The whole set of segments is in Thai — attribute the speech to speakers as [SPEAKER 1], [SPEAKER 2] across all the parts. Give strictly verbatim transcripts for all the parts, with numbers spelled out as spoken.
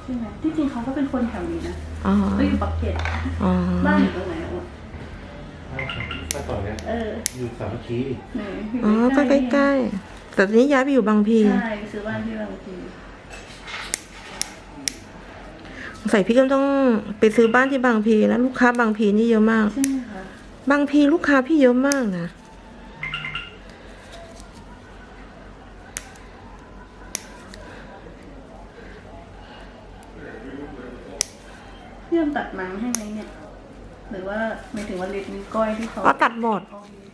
[SPEAKER 1] ช่ไหมที่จริงเขาก็เป็นคนแถวนี้นะ
[SPEAKER 2] อ๋อ
[SPEAKER 1] เขาอยู่ปักเกร็ด
[SPEAKER 2] อ๋อ
[SPEAKER 1] บ้านอยู่ตรงไหนอ่ะ
[SPEAKER 3] ถ้าต่อเนี้ย
[SPEAKER 1] เออ
[SPEAKER 3] อยู่สามัคคี
[SPEAKER 1] ไหนอยู่
[SPEAKER 2] อ๋อก็ใกล้ๆแต่ตอนนี้ย้ายไปอยู่บางพี
[SPEAKER 1] ๆใช่ไปซื้อบ้านที่บางพี
[SPEAKER 2] ใส่พี่ก็ต้องไปซื้อบ้านที่บางพีแล้วลูกค้าบางพีนี่เยอะมาก
[SPEAKER 1] ใช่ไหมคะ
[SPEAKER 2] บางพีลูกค้าพี่เยอะมากนะ
[SPEAKER 1] พี่ยอมตัดหนังให้ไหมเนี่ยหรือว่าหมายถึงว่าเล็บนิ้วก้อยที่เขา
[SPEAKER 2] ก็ตัดหมด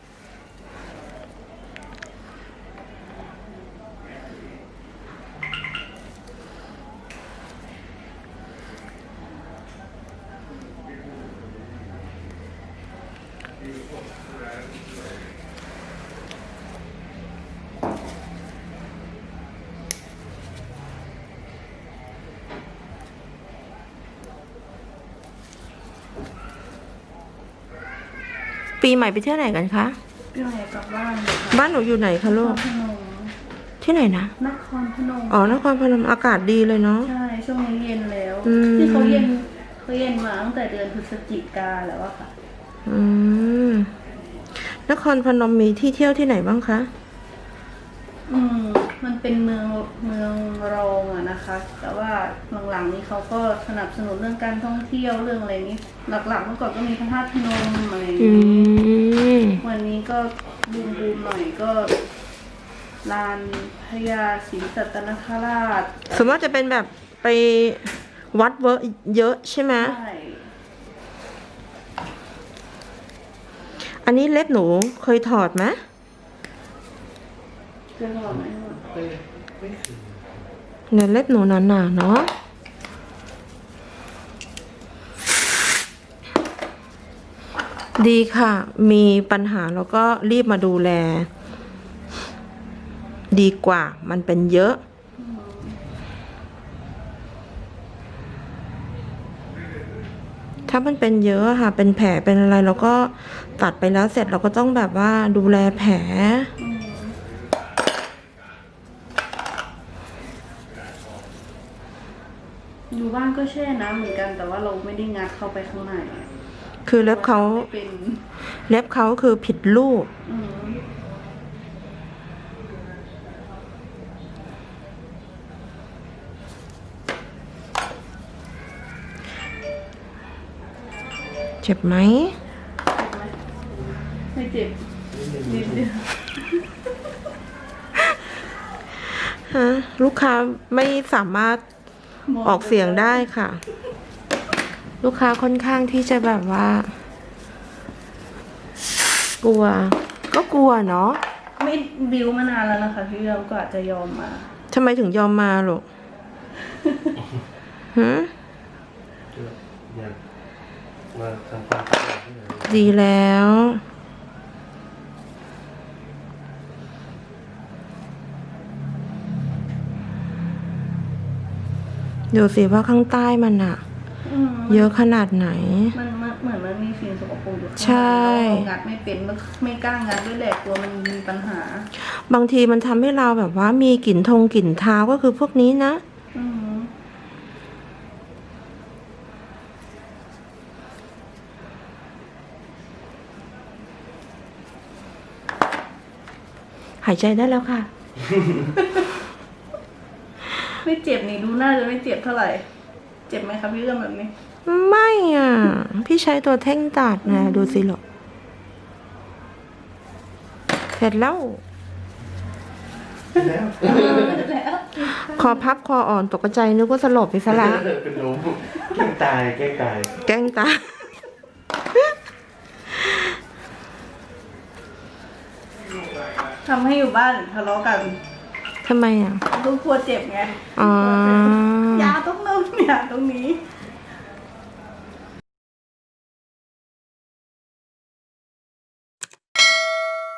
[SPEAKER 2] ปีใหม่ไปเที่ยวไหนกันคะ
[SPEAKER 1] พี่ใหม่กลับบ้านเลยค่ะ
[SPEAKER 2] บ้านหนูอยู่ไหนคะ
[SPEAKER 1] น
[SPEAKER 2] ลู
[SPEAKER 1] ค
[SPEAKER 2] ก
[SPEAKER 1] รพนม
[SPEAKER 2] ที่ไหนนะ
[SPEAKER 1] นครพนม
[SPEAKER 2] อ๋อนครพนมอากาศดีเลยเนาะ
[SPEAKER 1] ใช่ช่วงนี้เย็นแล้ว
[SPEAKER 2] อืม
[SPEAKER 1] ที่เขาเย็นเขาเย็นมาตั้งแต่เดือนพฤศจิกาแล้วอะค่ะ
[SPEAKER 2] อืมนครพนมมีที่เที่ยวที่ไหนบ้างคะ
[SPEAKER 1] อืมมันเป็นเมืองเมืองรองอะนะคะ แต่ว่าหลังๆนี้เขาก็สนับสนุนเรื่องการท่องเที่ยวเรื่องอะไรนี้ หลักๆเมื่อก่อนก็มีพระธาตุพนมอะไรอย่าง
[SPEAKER 2] อื
[SPEAKER 1] นี้
[SPEAKER 2] ม
[SPEAKER 1] วันนี้ก็บูมบูมหน่อยก็ลานพญาศรีสัตนคราช
[SPEAKER 2] สมมติจะเป็นแบบไปวัดเวอร์เยอะใช่ไหม
[SPEAKER 1] ใช่
[SPEAKER 2] อันนี้เล็บหนูเคยถอดไหม
[SPEAKER 1] เคยบอกไหมว่า
[SPEAKER 3] ไม่ไม่คือ
[SPEAKER 2] เนี่ยเล็บหนูหนาๆเนาะดีค่ะ มีปัญหาแล้วก็รีบมาดูแล ดีกว่ามันเป็นเยอะ ถ้ามันเป็นเยอะอะค่ะ เป็นแผลเป็นอะไรเราก็ตัดไปแล้วเสร็จเราก็ต้องแบบว่าดูแลแผล
[SPEAKER 1] อืมอยู่บ้านก็แช่น้ำเหมือนกัน แต่ว่าเราไม่ได้งัดเข้าไปข้างในอะ
[SPEAKER 2] คือเล็บเขา
[SPEAKER 1] ไม่เป็น
[SPEAKER 2] เล็บเขาคือผิดรูป
[SPEAKER 1] อืม
[SPEAKER 2] เจ็บไหม
[SPEAKER 1] เจ็บไหมไม่เจ็บนิดเดียว
[SPEAKER 2] ฮะ ลูกค้าไม่สามารถออกเสียงได้ค่ะ ลูกค้าค่อนข้างที่จะแบบว่า กลัว ก็กลัวเนาะ
[SPEAKER 1] ไม่บิวมานานแล้วนะคะพี่เราก็อาจจะยอมมา
[SPEAKER 2] ทำไมถึงยอมมาหรอกฮะ
[SPEAKER 3] อยากมาทำความสะอาดที่ไหน
[SPEAKER 2] ดีแล้ว ดูสิว่าข้างใต้มันอะ
[SPEAKER 1] อืม
[SPEAKER 2] เยอะขนาดไหน
[SPEAKER 1] มันมันเหมือนมันมีสิ่งสกปรกอยู่ข้างใน
[SPEAKER 2] ใช่
[SPEAKER 1] เรางัดไม่เป็นแล้วไม่กล้างัดด้วยแหละกลัวมันมีปัญหา
[SPEAKER 2] บางทีมันทำให้เราแบบว่ามีกลิ่นทงกลิ่นเท้าก็คือพวกนี้นะ
[SPEAKER 1] อืม
[SPEAKER 2] หายใจได้แล้วค่ะ
[SPEAKER 1] ไม่เจ็บนี่ดูน่าจะไม่เจ็บเท่าไหร่ เจ็บไหมคะพี่เรื่องแบบนี้
[SPEAKER 2] ไม่อ่ะ พี่ใช้ตัวเท่งตัดนะดูสิหรอกเสร็จแล้ว
[SPEAKER 3] แล้ว
[SPEAKER 1] แล้ว
[SPEAKER 2] คอพับคออ่อนตกใจนึกว่าสลบไปซะละ
[SPEAKER 3] เป็นลมแกล้งตายแกล้งตาย
[SPEAKER 2] แกล้งตา
[SPEAKER 1] ทำให้อยู่บ้านทะเลาะกัน
[SPEAKER 2] ทำไมอ่ะ
[SPEAKER 1] ลูกกลัวเจ็บไง
[SPEAKER 2] อ๋อ
[SPEAKER 1] ยาต้องนู่นยาตรงนี้